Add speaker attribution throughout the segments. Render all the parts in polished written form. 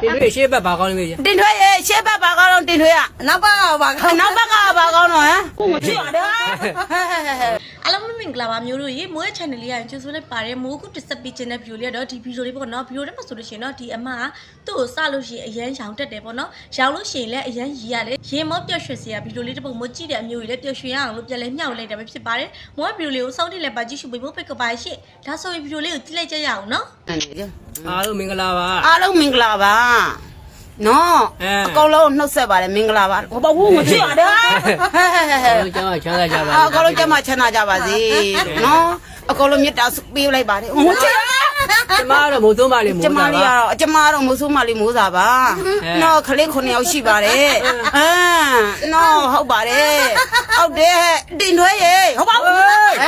Speaker 1: တင်ထွေးရှေ့ဘက်ဘာကောင်းလဲမေး
Speaker 2: တင်ထွေးရဲ့ရှေ့ဘက်ဘာကောင်းတော့တင်ထွေးอ่ะနောက်ဘက်ကဘာကောင်းတော့ဟမ်ကိုမကြည့်ရတဲ့
Speaker 3: အားလုံးမင်္ဂလာပါမျိုးတို့ရေမိုးရဲ့ channel လေးရရင်ကျေးဇူးလေးပါတယ်မိုးခုတစ်ဆက်ပေးခြင်းတဲ့ view လေးတော့ဒီ video လေးပေါ့နော် video ထဲမှာဆိုလို့ရှိရင်တော့ဒီအမကသူ့ကိုစလို့ရှိရင်အရန်ရောင်တက်တယ်ပေါ့နော်ရောင်လို့ရှိရင်လည်းအရန်ရီရတယ်ရေမောပျော့ရွှင်စရာ video လေးတစ်ပုဒ်မိုးကြည့်တဲ့အမျိုးကြီးလည်းပျော့ရွှင်ရအောင်လို့ပြန်လဲမျှဝေလိုက်တာပဲဖြစ်ပါတယ်မိုးရဲ့ video လေးကိုစောင့်တိလည်းပါကြည့်ရှုပေးဖို့ဖိတ်ကပါရှင့်ဒါဆိုရင် video လေးကိုကြည့်လိုက်ကြရအောင်နော်
Speaker 1: အားလုံးမင်္ဂလာပါ
Speaker 2: အားလုံးမင်္ဂလာပါနော်အကောင်လုံးနှုတ်ဆက်ပါတယ်မင်္ဂလာပါဘာဘူးမကြည့်ရတဲ့
Speaker 1: ကျမချမ်းသာကြပါ
Speaker 2: အကောင်လုံးကျမချမ်းသာကြပါစေနော်အကောင်လုံးမြတ်တာပေးလိုက်ပါတယ်မကြည့်
Speaker 1: ကျမကတော့မိုးသုံးပါလေမိုး
Speaker 2: စားပါကျမကတော့မိုးဆိုးမလေးမိုးစားပါနော်ခလေး9ယောက်ရှိပါတယ်နော်ဟုတ်ပါတယ်ဟုတ်တယ်တင်ထွေးရေဟုတ်ပါဘူး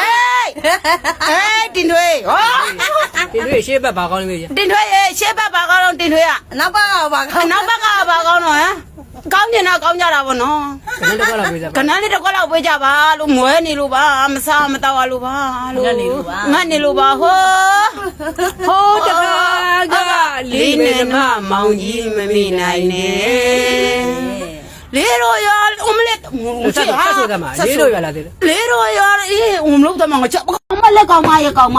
Speaker 2: တင်ထွေး
Speaker 1: တင်ထွေးရှေ့ဘက်ဘာကောင်းလဲမေး
Speaker 2: တင်ထွေးရေရှေ့ဘက်ဘာကောင်းတော့တင်ထွေးอ่ะနောက်ဘက်ကဘာကောင်းနောက်ဘက်ကဘာကောင်းတော့ဟမ်ကောင်းနေတာကောင်းကြတာဗောနော်
Speaker 1: ခဏတစ်ခွက်လောက်ပေးကြပါ
Speaker 2: ခဏလေးတစ်ခွက်လောက်ပေးကြပါလို့မွဲနေလို့ပါမစားမတော့လို့ပါလို့ငတ်နေလို့ပါဟိုတကားကလေးနဲ့မမောင်ကြီးမမိနိုင်နဲ့လေးရောရအမလက်
Speaker 1: ဆက်ဆိုတာမှာလေးရောရလာသေးတယ်
Speaker 2: လေးရောရအေးအမလို့တမငါချက်မလက်ကောင်းမရဲ့ဟေး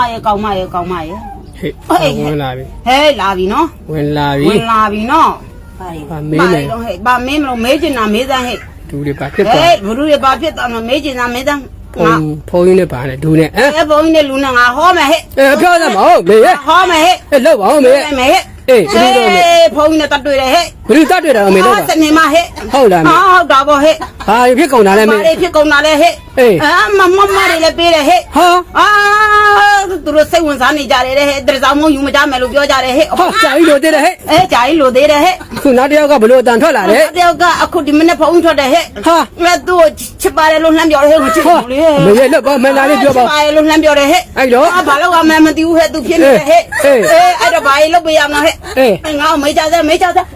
Speaker 1: ဝင်လာပြီ
Speaker 2: ဟဲ့လာပြီနော်
Speaker 1: ဝင်လာပြီ
Speaker 2: နော်
Speaker 1: ဘာမေးလဲ
Speaker 2: ဘာမင်းမလို့မေးချင်တာမေးစမ်းဟဲ့
Speaker 1: ဒူတွေဘာဖြစ်သွား
Speaker 2: ဘလူတွေဘာဖြစ်သွားမမေးချင်တာမေးစမ်း
Speaker 1: ဖုန်းကြီးနဲ့ပါနဲ့ဒူနဲ့
Speaker 2: ဘုန်းကြီးနဲ့လူနဲ့ငါဟောမယ်ဟဲ့
Speaker 1: ပြောစမ်းမဟုတ်မေး
Speaker 2: ဟောမယ်ဟဲ့
Speaker 1: လောက်ပါဦးမေး
Speaker 2: ဟဲ့
Speaker 1: အေးဘယ်လိုလဲ
Speaker 2: ဖုန်းနဲ့တတ်တွေ့တယ်ဟဲ့
Speaker 1: ဘယ်လိုတတ်တွေ့တာမေးလို့
Speaker 2: စနေမဟဲ့
Speaker 1: ဟုတ်လားမေး
Speaker 2: ဟုတ်တာပေါ့ဟဲ့
Speaker 1: ဘာဖြစ်ကုန်တာလဲမေး
Speaker 2: ဘာဖြစ်ကုန်တာလဲဟဲ့မတွေလည်းပေးတယ်ဟဲ့သူတို့စိတ်ဝင်စားနေကြတယ်ဟဲ့တရဆောင်မယူမကြမယ်လို့ပြောကြတယ်ဟဲ့
Speaker 1: ကြာကြီးလို့သေးတယ်ဟဲ့
Speaker 2: ကြာကြီးလို့သေးတယ်ဟဲ့
Speaker 1: ခုနောက်တစ်ယောက်ကဘလို့အတန်ထွက်လာတယ်
Speaker 2: တယောက်ကအခုဒီမနေ့ဖုန်းထွက်တယ်ဟဲ့ငါသူ့ချစ်ပါတယ်လို့လှမ်းပြောတယ်ဟဲ့ချစ်ဘူးလေ
Speaker 1: မေးလို့ဘာမှန်လာလေးပြောပါ
Speaker 2: ပါတယ်လို့လှမ်းပြောတယ်ဟဲ့
Speaker 1: အဲ့တော့
Speaker 2: ဘာလို့ကမှမသိဘူးဟဲ့သူဖြစ်နေတယ်ဟဲ့အဲ့တော့ဘာလို့ပေးရမလဲဟဲ့ငါမေးကြစမ်း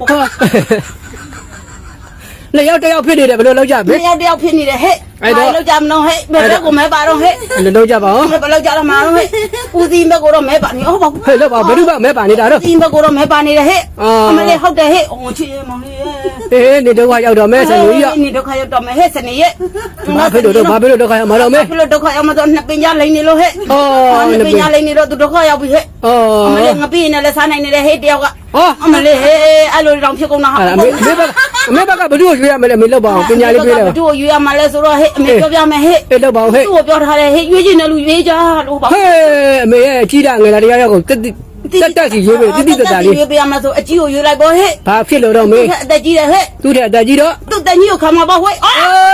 Speaker 1: လေရောက်တယောက်ဖြစ်နေတယ်ဘယ်လိုလုပ်ကြမလဲ
Speaker 2: တယောက်ဖြစ်နေတယ်ဟဲ့အဲ့တော့လောက်ကြမလို့ဟဲ့ဘယ်တော့ကိုမဲပါတော့ဟဲ့
Speaker 1: လုပ်ကြပါဦး
Speaker 2: ဘယ်လောက်ကြတော့မှာတော့ဟဲ့ဦးစီးဘက်ကိုတော့မဲပါနေဟုတ်ပါဘူး
Speaker 1: ဟဲ့လောက်ပါဘယ်သူကမဲပါနေတာတော့
Speaker 2: ဦးစီးဘက်ကိုတော့မဲပါနေတယ်ဟဲ့အမလေးဟုတ်တယ်ဟဲ့အော်ချစ်မောင်လေး
Speaker 1: နေဒုက္ခရောက်တော့မဲစနေကြီး
Speaker 2: နေဒုက္ခရောက်တော့မဲဟဲ့စနေရဲ့
Speaker 1: ဘာဖြစ်လို့ဒုက္ခရောက်မှာတော့မဲ
Speaker 2: ဖြစ်လို့ဒုက္ခရောက်မှာတော့နှစ်ပင်ကြားလိမ့်နေလို့ဟဲ့နှစ်ပင်ကြားလိမ့်နေတော့သူဒုက္ခရောက်ပြီဟဲ့အမလေးငပိနဲ့လည်းစားနိုင်နေတယ်ဟဲ့တယောက်ကအမလေးဟဲ့အဲ့လိုတောင်ဖြစ်ကုန်တာဟာ
Speaker 1: အမေဘက်ကဘသူ့ကိုရွေးရမယ်လေမေလောက်ပါအောင်ပညာလေးပေးတယ်
Speaker 2: ဘသူ့ကိုရွေးရမှာလဲဆိုတော့ဟဲ့အမေပြောပြမယ်ဟဲ့
Speaker 1: လောက်ပါအောင်ဟဲ့
Speaker 2: သူ့ကိုပြောထားတယ်ဟဲ့ရွေးချင်တယ်လူရွေးကြလို့ပါ
Speaker 1: ဟဲ့အမေရဲ့ကြီးတာငယ်လာတရားရောက်ကိုတက်စီရွေးပေးတိတတာလေး
Speaker 2: ရွေးပေးရမှာဆိုအကြီးကိုရွေးလိုက်ပေါ့ဟဲ့
Speaker 1: ဘာဖြစ်လို့တော့မေ
Speaker 2: အသက်ကြီးတယ်ဟဲ့
Speaker 1: သူ့တဲ့အသက်ကြီးတော့
Speaker 2: သူ့တက်ကြီးကိုခံမှာပေါ့ဟဲ့ဟဲ့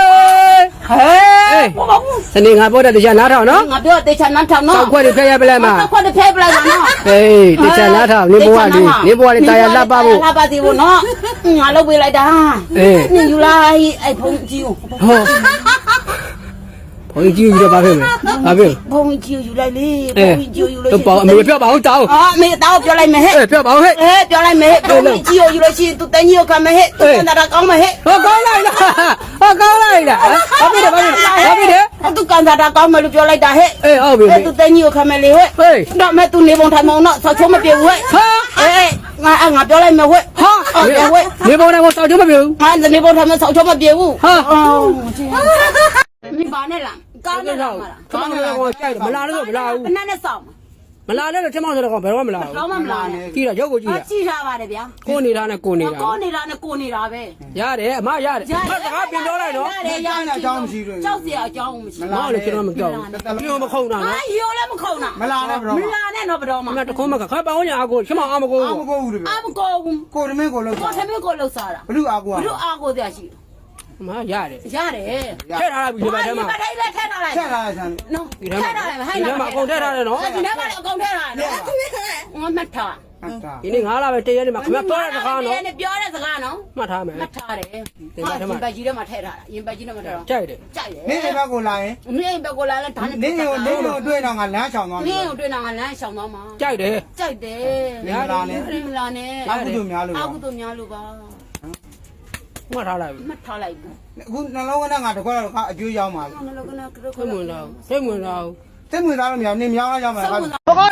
Speaker 1: စနေငါပြောတဲ့တရားနားထောင်နော်
Speaker 2: ငါပြောတဲ့တရားနားထောင်နော်
Speaker 1: ခွက်တွေဖဲရပလိုက်မှာ
Speaker 2: ခွက်တွေဖဲပလိုက်မှာနော်
Speaker 1: ဟေးတရားနားထောင်နေဘဝလေးတရားလှပဖို့
Speaker 2: လှပသေးဖို့နော်ငါလုပ်ပေးလိုက်တာယူလိုက်အဲ့ဖုန်းကြီးကို
Speaker 1: ဘုန်းကြီးယူတော့ဘာဖြစ်မလဲဘာဖြစ်
Speaker 2: ဘုန်းကြီးယူလိုက်လေဘုန်းကြီးယူလို့
Speaker 1: တော့ပေါ့အမေပြောပါအောင်တောင်း
Speaker 2: အမေတောင်းပြောလိုက်မယ်ဟဲ့
Speaker 1: ပြောပါအောင်ဟဲ့
Speaker 2: ပြောလိုက်မယ်ဟဲ့ဘုန်းကြီးယူလို့ရှိရင်သူတန်းကြီးကိုခံမယ်ဟဲ့သူတန်းတာကောင်းမယ်ဟဲ့
Speaker 1: ကောင်းလိုက်လားကောင်းလိုက်လားဘာဖြစ်တယ်
Speaker 2: သူကန်တာကောင်းမယ်လို့ပြောလိုက်တာဟဲ့
Speaker 1: ဟုတ်ပြီ
Speaker 2: သူတန်းကြီးကိုခံမယ်လေဟဲ့တော့မဲ့သူနေပုံထိုင်ပုံတော့ဆောက်ချုံးမပြေဘူးဟဲ့ငါပြောလိုက်မယ်ဟဲ့
Speaker 1: နေပုံတိုင်းကိုဆောက်ချုံးမပြေဘူး
Speaker 2: ငါနေပုံထိုင်မှာဆောက်ချုံးမပြေဘူးမိပါနဲ့လား
Speaker 1: ကောင်းတယ်တော့ခမောင်းကတော့ကြိုက်တယ်မလာလို့မလာဘူး
Speaker 2: ဘယ်နဲ့ဆောင်
Speaker 1: မလာလဲတော့ခမောင်းဆိုတော့ဘယ်တော့မှမလာဘူး
Speaker 2: တော့မလာနဲ့
Speaker 1: ကြည့်တော့ရုပ်ကိုကြည့်ရ
Speaker 2: ကြည့်ထားပါတယ်ဗျာ
Speaker 1: ကိုနေတာနဲ့ကိုနေတာ
Speaker 2: ပဲ
Speaker 1: ရတယ်အမရတယ်စကားပြင်ပြောလိုက်တော့
Speaker 2: ရတယ်ရအကြောင်းမရှိဘူးကြောက်စရာအကြောင်းမရှိ
Speaker 1: ဘူးမဟုတ်လေကျွန်တော်မကြောက်ဘူးပြောမခုံတာနော်
Speaker 2: ရိုးလည်းမခုံတာ
Speaker 4: မလာနဲ့ဘရော
Speaker 2: မလာနဲ့တော့ဘရော
Speaker 1: မတခုံးမကခါပောင်းညာအကိုခမောင်းအမကို
Speaker 4: ဘူးတပည့်
Speaker 2: အမကိုဘူး
Speaker 4: ကိုတမင်းကိုလှုပ်
Speaker 2: စားတာ
Speaker 4: ဘလူအာကို
Speaker 2: တရားရှိ
Speaker 1: မရတယ်
Speaker 2: ထည့်
Speaker 1: ထားတာပြီဒီဘက်ထဲမှာ
Speaker 2: ထည့်ထားလိုက်
Speaker 4: ဆန်း
Speaker 2: နော်ထည့်ထားလိုက်
Speaker 1: ဟဲ့ဒီထဲမှာအကုန်ထည့်ထားတယ်နော်
Speaker 2: ဒီထဲမှာအကုန်ထည့်ထားတယ်ငါမှတ်ထား
Speaker 1: ဒီနေ့9လပဲတရက်နေမှာခင်ဗျပြောတဲ့စကားနော်
Speaker 2: ပြောတဲ့စကားနော်
Speaker 1: မှတ်ထားမယ်
Speaker 2: မှတ်ထားတယ်ဒီဘက်ကြီးထဲမှာထည့်ထားတာရင်ဘက်ကြီးထဲမှာထည့်တော့
Speaker 1: ကြိုက်တယ်
Speaker 4: နေဘက်ကိုလာရင်
Speaker 2: နေဘက်ကိုလာလဲဒါနဲ့
Speaker 4: နေကိုတွေ့တော့ငါလမ်းချောင်သွား
Speaker 2: မယ်နေကိုတွေ့တော့ငါလမ်းချောင်သွားမှာ
Speaker 1: ကြိုက်တယ်
Speaker 2: မလာနဲ့
Speaker 4: အကုသိုလ်များ
Speaker 2: လို့ပါ
Speaker 1: မှတ်ထားလိုက်
Speaker 2: ဘူး
Speaker 4: အခုနှလုံးကငါတခွက်တော့အကျိုးရောက်ပါပြီ
Speaker 1: စိတ်ဝင်တော့
Speaker 4: စိတ်ဝင်စားလို့မရနေမြောင်းလာကြမှာ
Speaker 1: ဘကောအယောင်မ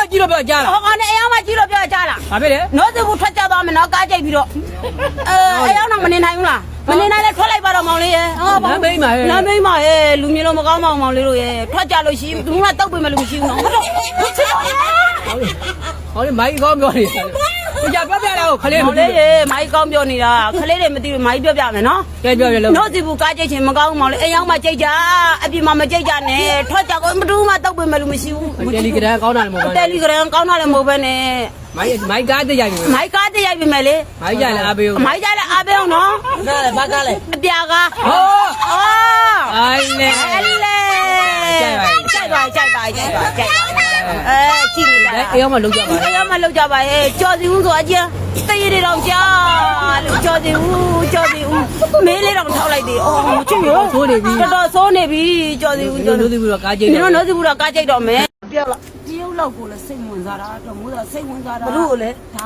Speaker 1: ကြည့်လို့ပြောကြားလား
Speaker 2: ဟောကနေအယောင်မှကြည့်လို့ပြောကြလား
Speaker 1: ဘာဖြစ်လဲ
Speaker 2: နောသူဘူးထွက်ကြသွားမယ်နော်ကားကြိတ်ပြီးတော့အယောင်တော့မနေနိုင်ဘူးလားမနေနိုင်လဲထွက်လိုက်ပါတော့မောင်လေးရဲ့ဟောလမ်းမိတ်ပါရဲ့လူမျိုးလုံးမကောင်းမောင်လေးတို့ရဲ့ထွက်ကြလို့ရှိဘူးကတောက်ပေးမယ်လို့မရှိဘူးနော်ဟုတ်တော့ချစ်တော့ရဲ့
Speaker 1: ဟောလေမိုင်းကောင်းပြောနေတယ်ကိုကြပြောပြလာကိုခလေး
Speaker 2: မောင်လေးရေမိုင်းကောင်းပြောနေတာခလေးတွေမသိဘူးမိုင်းပြောပြမယ်နော်
Speaker 1: ကဲပြောပြလို့
Speaker 2: နောသူဘူးကားကြိတ်ချင်းမကောင်းမောင်လေးအယောင်မှကြိတ်ကြအပြင်မှာမကြိတ်ကြနဲ့ထွက်ကြကိုမတူးမှတောက်ပေးမယ်လို့မရှိဘူး
Speaker 1: တယ်လီဂရမ်ကောင်းတာလည်းမဟုတ်
Speaker 2: တယ်လီဂရမ်ကောင်းတာလည်းမဟုတ်ပဲနဲ့
Speaker 1: မိုင်းကားတရိုက်ပြီ
Speaker 2: မိုက်ကားတရိုက်ပြီမယ်လေ
Speaker 1: မိုင်းကြလည်းအားပေးဦး
Speaker 2: မိုက်ကြလည်းအားပေးအောင်နော်
Speaker 3: နားလေဘာကားလဲ
Speaker 2: အပြာကား
Speaker 1: ဟော
Speaker 2: အော်
Speaker 1: အိုင်လေ
Speaker 2: ကြိုက်ပါကြိုက်ပါကြိုက်ပါကြိုက်ပါကြိုက်ပါကြည့်နေတာ
Speaker 1: အေးအောင်မလုပ်ကြပါ
Speaker 2: အေးမလောက်ကြပါရဲ့ကြော်စီဦးဆိုအကျန်းတရေတွေတော့ကြာလို့ကြော်စီဦးမေးလေးတော့ထောက်လိုက်သေးအော်မချစ်ရော
Speaker 1: ဆိုးနေပြီ
Speaker 2: တော်တော်ဆိုးနေပြီကြော်စီဦး
Speaker 1: တို့တို့ပြီးတော့ကားကြိတ်
Speaker 2: ဒီ
Speaker 1: တယ်
Speaker 2: တော့နှုတ်စီဘူးတော့ကားကြိတ်တော့မယ်ပြောက်လာတရုတ်လောက်ကိုလည်းစိတ်ဝင်စားတာတော့မိုးတော့စိတ်ဝင်စားတာဘလို့လဲဒါ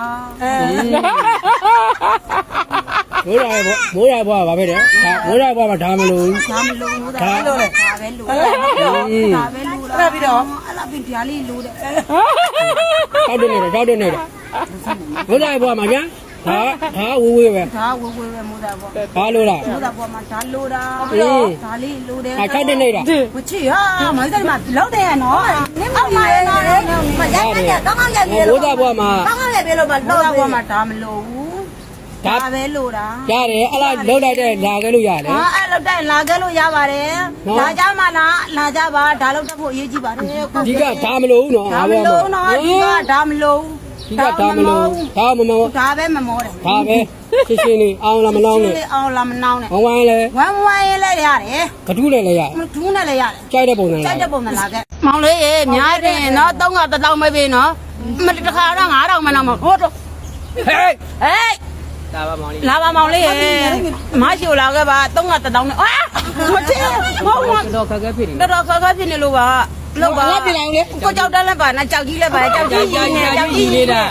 Speaker 1: မိုးရဘွားဘာပဲတဲ့မိုးရဘွားမှာဒါမလို့
Speaker 2: ဒါမလို့မိုးဒါလို့လေဒါပဲလို့ဒါပဲလို့လားပြီးတော့အဲ့လာပြီးဓာလေးလို့တဲ့
Speaker 1: တောက်တယ်နေတယ်မိုးရဘွားမှာညာဒါဝေးပဲ
Speaker 2: ဒါဝဝပဲမိုးဒါပေါ့
Speaker 1: ဘာလို့လား
Speaker 2: မိုးဒါပေါ့မှာဒါလို့တာဒါလေးလို့တဲ့
Speaker 1: ၆တက်နေတာ
Speaker 2: မချစ်ဟာမိုင်းတယ်မှာလောက်တယ်နော်နင်းမမရနော်မရရတော့ကောင်းရပြီ
Speaker 1: မိုးသားဘွားမှာ
Speaker 2: ကောင်းရပြီလို့မလို့တော့မှာဒါမလို့ဘူးဒါပဲလို့တာ
Speaker 1: ရတယ်အဲ့လားလောက်လိုက်တဲ့လာခဲ့လို့ရတယ်
Speaker 2: ဟာအဲ့လောက်တိုင်းလာခဲ့လို့ရပါတယ်လာကြမှာလားလာကြပါဒါလောက်တက်ဖို့အရေးကြီးပါတယ်
Speaker 1: ဒီကဒါမလို့နော်
Speaker 2: ဒါမလို့နော်ဒီကဒါမလို့
Speaker 1: ဒီကဒါမလို့ဒါမမော
Speaker 2: ဒါပဲမမောတယ်
Speaker 1: ဒါပဲရှင်းရှင်းလေးအောင်လားမနောင်းနဲ့
Speaker 2: အောင်လာမနောင်းနဲ့
Speaker 1: ဝမ်းလဲ
Speaker 2: ဝမ်းရေးလဲရတယ်
Speaker 1: ကတူးလည်းရ
Speaker 2: ဒူးနဲ့လည်းရတယ်
Speaker 1: ကြိုက်တဲ့ပုံစံ
Speaker 2: ကြို
Speaker 1: လား
Speaker 2: က်တဲ့ပုံစံလာခဲ့မောင်လေးရေများတယ်နော်3က1000ပဲပေးနော်မတခါတော့9000မနော်မဟုတ်တော့
Speaker 1: ဟေး
Speaker 2: ဟေး
Speaker 1: ဒါပါမောင်လေး
Speaker 2: လာပါမောင်လေးရေမရှိလာခဲ့ပါ3က1000နဲ့အာမချင်ဟုတ်ပါ
Speaker 1: တော့ခက်ခဲဖြစ်နေ
Speaker 2: တော်တော်ခက်ခဲဖြစ်နေလို့ပါလောက်ပါကိုကြောက်တက်လည်းပါနဲ့ကြောက်ကြီးလည်းပါကြောက်ကြီးနေတာ3က1000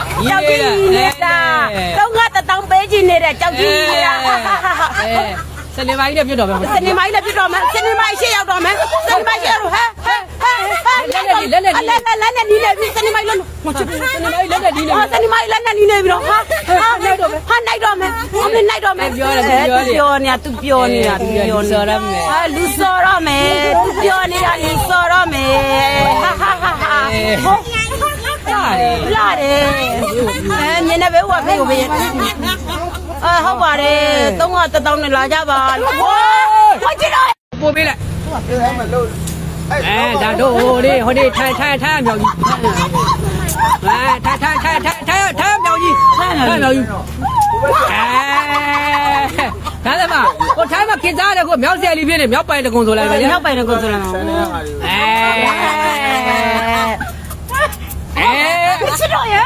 Speaker 2: ပေးကြည့်နေတဲ့ကြောက်ကြီးနေတာ
Speaker 1: စနေမိုင်းနဲ့ပြတ်တော့ပဲ
Speaker 2: စနေမိုင်းလည်းပြတော့မယ်စနေမိုင်းရှေ့ရောက်တော့မယ်စနေမိုင်းရှေ့ရောက်ဟဲ့လက်နဲ့နီးနေပြီစနေမိုင်းလုံးမချစ်ဘူးစနေမိုင်းလက်နဲ့နီးနေပြီစနေမိုင်းလက်နဲ့နီးနေပြီတော့ဟာနိုင်တော့မယ်ဟာနိုင်တော့မယ်အမနိုင်တော့မယ်ပြောနေတာသူပြောနေတာ
Speaker 1: ဆော်ရမယ်
Speaker 2: ဟာလူစော်ရမယ်သူပြောနေတာလူစော်ရမယ်ဟာလာတယ်မြင်နေပဲဟိုကဖေးကိုပဲဟုတ်ပါတယ်3က1000နဲ့လာကြပါလို့ဟိုကြည့်တော့
Speaker 1: ပို့ပေးလိုက်
Speaker 4: ပြောရမယ်လို့
Speaker 1: ဒါတို့ဟိုဒီထိုင်မြောက်ကြီးထိုင်မြောက်ကြီးဒါလည်းမကိုထိုင်မှာခင်စားတယ်ကိုမြောက်ဆယ်လေးပြင်းနေမြောက်ပိုင်တကုံဆိုလိုက်ပဲ
Speaker 2: မြောက်ပိုင်ကိုဆိုလာမှာချစ်တော့ရ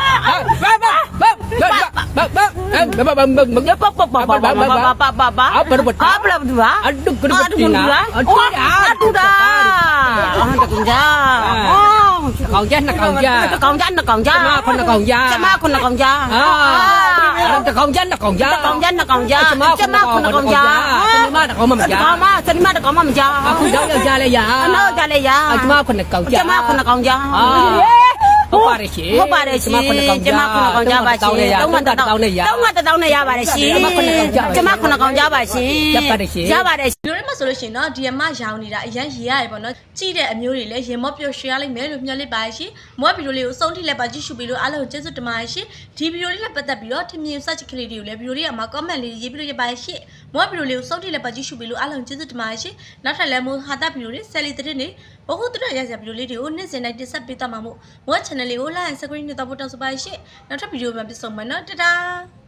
Speaker 1: ကောင်ကြနှစ်ကောင်ကြ
Speaker 2: ကောင်ကြနှစ်ကောင်ကြ
Speaker 1: ကျမခုနှစ်ကောင်ကြ
Speaker 2: ကျမခုနှစ်ကောင်ကြ
Speaker 1: တကောင်ကြနှစ်ကောင်ကြ
Speaker 2: ကောင်ကြနှစ်ကောင်ကြကျမခုနှစ်ကောင်ကြ
Speaker 1: စနေမတကောင်မကြ
Speaker 2: ကောင်မစနေမတကောင်မကြ
Speaker 1: အခုတော့ယောက်ျားလည်းရ
Speaker 2: နောက်ကြလည်းရ
Speaker 1: ကျမခုနှစ်ကောင်ကြ
Speaker 2: ကျမခုနှစ်ကောင်ကြ
Speaker 1: ဟုတ်ပါတယ်ရှင်
Speaker 2: ဟုတ်ပါတယ်ရှင်ကျမခုနှစ်ကောင်ကြပါရှင်3က1000နဲ့ရပါတယ်ရှင်ကျမခုနှစ်ကောင်ကြပါရှင်ရပါတယ်ရှင်
Speaker 3: ဒီလိုမှဆိုလို့ရှိရင်တော့ဒီအမရောင်နေတာအရန်ရေရတယ်ပေါ့နော်ကြည့်တဲ့အမျိုးတွေလည်းရင်မော့ပျော်ရွှင်ရလိမ့်မယ်လို့မျှော်လင့်ပါရှင်မော့ဗီဒီယိုလေးကိုအဆုံးထိလက်ပါကြည့်ရှုပြီးလို့အားလုံးကျေးဇူးတင်ပါတယ်ရှင်ဒီဗီဒီယိုလေးနဲ့ပတ်သက်ပြီးတော့ထင်မြင် search ကလေးတွေကိုလည်းဗီဒီယိုလေးအမှာ comment လေးရေးပြီးလို့ရပါတယ်ရှင်မော့ဗီဒီယိုလေးကိုအဆုံးထိလက်ပါကြည့်ရှုပြီးလို့အားလုံးကျေးဇူးတင်ပါတယ်ရှင်နောက်ထပ်လည်းမို့ဟာတာဗီဒီယိုလေးဆယ်လီတဲ့နေဘဟုတရရစဗီဒီယိုလေးတွေကိုနေ့စဉ်တိုင်းတင်ဆက်ပေးသွားမှာမို့မော့ channel လေးကို like and subscribe နဲ့တော့ပို့တောင်းဆိုပါရှင်နောက်ထပ်ဗီဒီယိုမှာပြန်ဆုံမယ်နော်တတား